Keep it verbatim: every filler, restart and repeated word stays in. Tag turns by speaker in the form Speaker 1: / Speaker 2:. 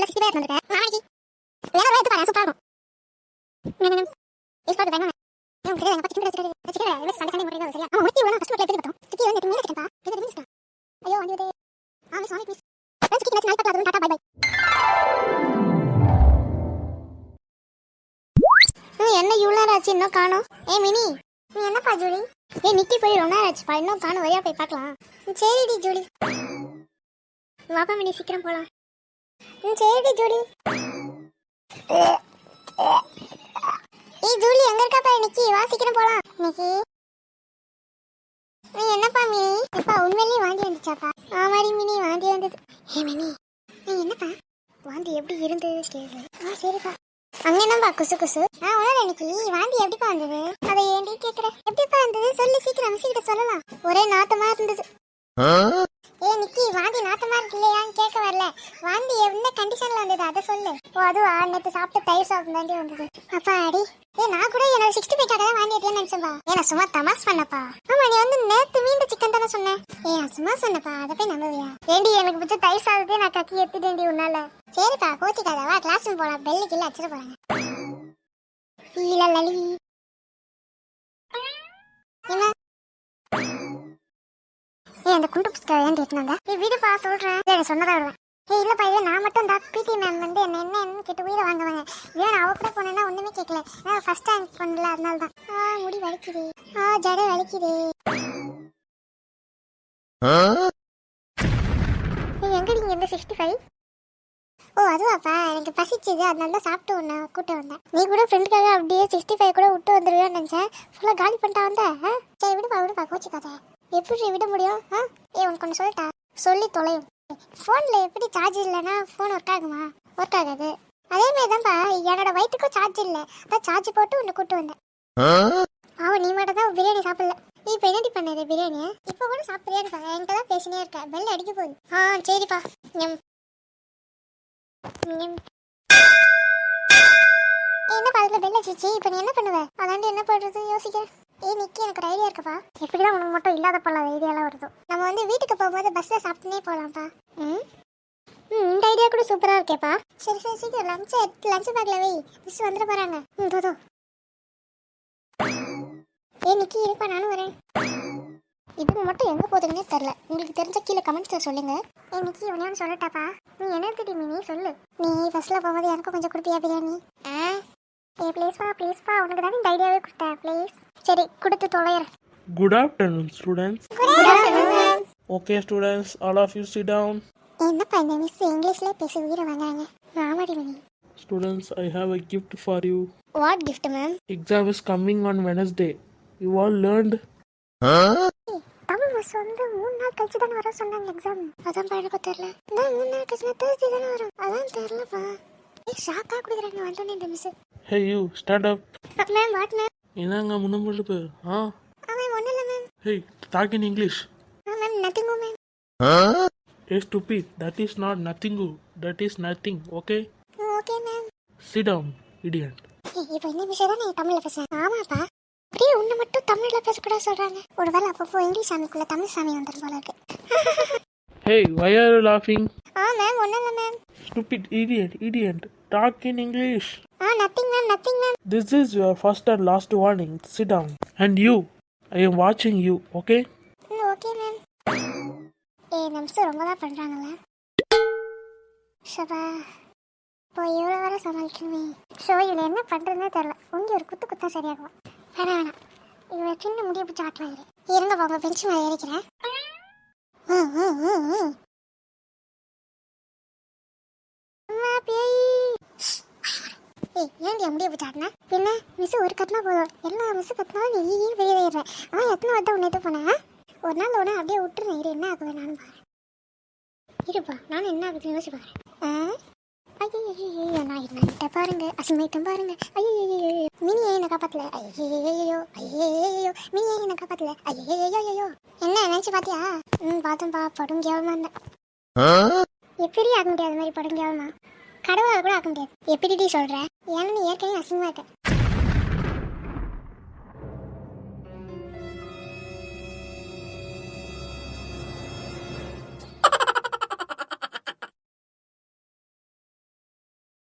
Speaker 1: வீட்டுல sixty five வந்திருக்கேன் நாளைக்கு வேற வேற எடுத்து பாரு சூப்பரா இருக்கும் இஸ் பாத்து வேணும் ஏன் கிட்ட எங்க சிக்கன் ரெசிபி சிக்கன் எல்லாம் சண்டை சண்டை முடியல சரியா அவன் முட்டி வேணா ஃபர்ஸ்ட் எடுத்து பார்த்தோம் சிக்கன் வந்து மீன் சிக்கன் பா இது மீன் ஐயோ வந்து ஆ சாரி ப்ளீஸ் சிக்கன் நச்சு நாளைக்கு பார்க்கலாம் டாடா பை பை என்ன இவ்வளோ ஆச்சு இன்னும் காணோம் ஏ மினி நீ என்னப்பா ஜூலி ஏ நிக்கி போய் ரொம்ப நேரம் ஆச்சுப்பா இன்னும் காணும் வழியா போய் பார்க்கலாம் சரிடி ஜூலி வாப்பா மினி சீக்கிரம் போலாம் சரிடி ஜூலி ஏய் ஜூலி எங்க இருக்காப்பா நிக்கி வா சீக்கிரம் போலாம் நிக்கி நீ என்னப்பா மினி எப்பா உண்மையிலேயே வாந்தி வந்துச்சாப்பா ஆமாடி மினி வாந்தி வந்தது ஏ மினி நீ என்னப்பா வாந்தி எப்படி இருந்தது கேளு ஆ சரிப்பா அங்க என்னப்பா குசு குசு ஆ உணர நிக்கி வாந்தி எப்படிப்பா வந்தது அதை ஏண்டி கேக்குற எப்படிப்பா வந்தது சொல்லு சீக்கிரம் மிஸ்கிட்ட சொல்லலாம் ஒரே நாத்தமா இருந்தது ஏ நிக்கி வாந்தி நாத்தமா இருக்கு இல்லையான்னு கேட்க வரல வாந்தி என்ன கண்டிஷன்ல வந்தது அதை சொல்லு ஓ அதுவா நேற்று சாப்பிட்டு தயிர் சாப்பிட்டு தாண்டி வந்தது அப்பா அடி ஏ நான் கூட என்னோட சிக்ஸ்டி ஃபைவ் கடை வாந்தி எடுத்தேன்னு நினைச்சேன்பா ஏ நான் சும்மா தமாஸ் பண்ணப்பா ஆமா நீ வந்து நேற்று மீண்டு சிக்கன் தானே சொன்னேன் ஏ நான் சும்மா சொன்னப்பா அதை போய் நம்புவியா ஏண்டி எனக்கு பிடிச்ச தயிர் சாதத்தே நான் கக்கி எடுத்துட்டேன்டி உன்னால சரிப்பா கோச்சிக்காத வா கிளாஸ் ரூம் போலாம் பெல்லு கில்ல அடிச்சிட போறாங்க இல்ல லலி என்ன ஏ அந்த குண்டு புஸ்தகம் ஏன் கேட்டுனாங்க ஏ வீடுப்பா சொல்றேன் சொன்னதா வருவேன் ஏ இல்லப்பா இல்ல நான் மட்டும் தான் பிடி மேம் வந்து என்ன என்ன கேட்டு உயிரை வாங்குவாங்க இதே நான் அவ கூட போனேன்னா ஒண்ணுமே கேட்கல நான் ஃபர்ஸ்ட் ரேங்க் பண்ணல அதனால தான் ஆ முடி வலிக்குது ஆ ஜடை வலிக்குது நீ எங்க நீங்க இந்த சிக்ஸ்டி ஃபைவ் ஓ அதுவாப்பா எனக்கு பசிச்சுது அதனால தான் சாப்பிட்டு ஒன்று கூட்ட வந்தேன் நீ கூட ஃப்ரெண்டுக்காக அப்படியே சிக்ஸ்டி ஃபைவ் கூட விட்டு வந்துடுவேன்னு நினச்சேன் ஃபுல்லாக காலி பண்ணிட்டா வந்த சரி விடுப்பா விடுப்பா கோச்சிக்காத எப்படி விட முடியும் ஆ ஏ உனக்கு ஒன்று சொல்லிட்டா சொல்லி தொலையும் ஃபோனில் எப்படி சார்ஜ் இல்லைன்னா ஃபோன் ஒர்க் ஆகுமா ஒர்க் ஆகாது அதேமாதிரி தான்ப்பா என்னோட வயிற்றுக்கும் சார்ஜ் இல்லை அதான் சார்ஜ் போட்டு உன்னை கூட்டு வந்தேன் அவன் நீ மட்டும் தான் பிரியாணி சாப்பிடல நீ இப்போ என்னடி பண்ணது பிரியாணியை இப்போ கூட சாப்பிட்றியான்னு பாங்க என்கிட்ட தான் பேசினே இருக்கேன் பெல் அடிக்க போகுது ஆ சரிப்பா எம் என்ன பாத்துல பெல் அடிச்சிச்சு இப்போ நீ என்ன பண்ணுவ அதாண்டி என்ன பண்றது யோசிக்க ஏய் நிக்கி எனக்கு ஒரு ஐடியா இருக்குப்பா எப்படிதான் உனக்கு மட்டும் இல்லாத போல ஐடியாலாம் வருது நம்ம வந்து வீட்டுக்கு போகும்போது பஸ்ல சாப்பிட்டுனே போகலாம்ப்பா ம் ம் இந்த ஐடியா கூட சூப்பரா இருக்கேப்பா சரி சரி சீக்கிரம் லஞ்ச் லஞ்ச் பேக்ல வை மிஸ் வந்துட போறாங்க ம் தோதோ ஏய் நிக்கி இருப்பா நானும் வரேன் இது மட்டும் எங்க போகுதுன்னே தெரியல உங்களுக்கு தெரிஞ்ச கீழே கமெண்ட்ஸ்ல சொல்லுங்க ஏய் நிக்கி இவனையும் சொல்லட்டாப்பா நீ என்ன எடுத்துட்டி மினி சொல்லு நீ ஃபர்ஸ்ட்ல போகும்போது எனக்கும் கொஞ்சம் கொடுப்பியா பிரியாணி ஆ ஏய் ப்ளீஸ்ப்பா ப்ளீஸ்ப்பா உனக்கு தான் இந்த ஐடியாவே கொடுத்தேன் ப்ளீஸ் சரி கொடுத்து தொலைறேன்
Speaker 2: Good afternoon, students.
Speaker 1: Good afternoon.
Speaker 2: Okay, students, all of you sit down.
Speaker 1: என்னப்பா இந்த மிஸ் இங்கிலீஷ்ல பேசி உயிரை வாங்குறாங்க ஆமாடி Mini
Speaker 2: Students, I have a gift for you.
Speaker 1: What gift ma'am
Speaker 2: Exam is coming on Wednesday. You all learned?
Speaker 1: Tamil miss வந்து மூணு நாள் கழிச்சு தானே வர சொன்னாங்க எக்ஸாம் அதான் பழக்க தெரியல நான் மூணு நாள் கழிச்சு தேர்ஸ்டே தானே வரும் அதான் தெரியலப்பா ஏய் ஷாக்கா கொடுக்குறாங்க வந்தோடனே இந்த miss
Speaker 2: Hey, you, stand up.
Speaker 1: Ma'am what ma'am
Speaker 2: என்னங்க முன்னமுழுப்பு ஆ
Speaker 1: ஆ மேம் ஒன்றும் இல்லை ma'am
Speaker 2: Hey, talk in English.
Speaker 1: ஆ மேம் நத்திங்கோ ma'am
Speaker 2: Hey, stupid. That is not nothing. That is nothing. Okay?
Speaker 1: Okay ma'am
Speaker 2: Sit down, idiot.
Speaker 1: இப்போ என்ன விஷயம் தான் நீ தமிழில் பேசுகிறேன் ஆமாப்பா அப்படியே உன்னை மட்டும் தமிழில் பேசக்கூடாது சொல்கிறாங்க ஒரு வேளை அப்பப்போ இங்கிலீஷ் சாமிக்குள்ளே தமிழ் சாமி வந்துடும் போல இருக்கு
Speaker 2: Hey, why are you laughing?
Speaker 1: ஆ மேம் ஒன்றும் இல்லை ma'am
Speaker 2: Stupid idiot, idiot. Talk in English.
Speaker 1: ஆ nothing ma'am nothing ma'am
Speaker 2: This is your first and last warning. Sit down. And you, I am watching you, okay?
Speaker 1: ம் okay ma'am ஏ இந்த miss ரொம்ப தான் பண்ணுறாங்கல்ல ஷபா இப்போ இவ்வளோ வர சமாளிக்கணுமே ஷோ இதில் என்ன பண்ணுறதுனே தெரில உங்க ஒரு குத்து குத்தா சரியாகும் வேணாம் வேணாம் இவ்வளோ சின்ன முடிய பிடிச்சி ஆட்டுவாங்க இருங்க போங்க பெஞ்சு மேலே ஏறிக்கிறேன் ம் ம் ம் ம் அம்மா பேய் ஏய் ஏன்டி முடிய பிடிச்சி ஆட்டினா பின்ன மிஸ் ஒரு கட்டினா போதும் எல்லா மிஸ் கட்டினாலும் நீ ஈ வெளியே ஏறுறேன் ஆனால் எத்தனை வட்டம் உன்னை இது போனேன் ஒரு நாள் உடனே அப்படியே விட்டுருந்தேன் இரு என்ன ஆகுது நானும் பாரு இருப்பா நானும் என்ன ஆகுதுன்னு யோசிச்சு பாரு ஆ ஐயோ நான் என்ன பாருங்க அசிமைட்டம் பாருங்க ஐயோ மினி என்ன காப்பாத்தல ஐயோ ஐயோ மினி என்ன காப்பாத்தல ஐயோ என்ன நினைச்சு பாத்தியா ம் பார்த்தேன்பா படும் கேவலமா இருந்தேன் எப்படி ஆக்க முடியாது மாதிரி படும் கேவலமா கடவுளால் கூட ஆக்க முடியாது எப்படி சொல்ற ஏன்னா நீ ஏற்கனவே அசிங்கமா இருக்க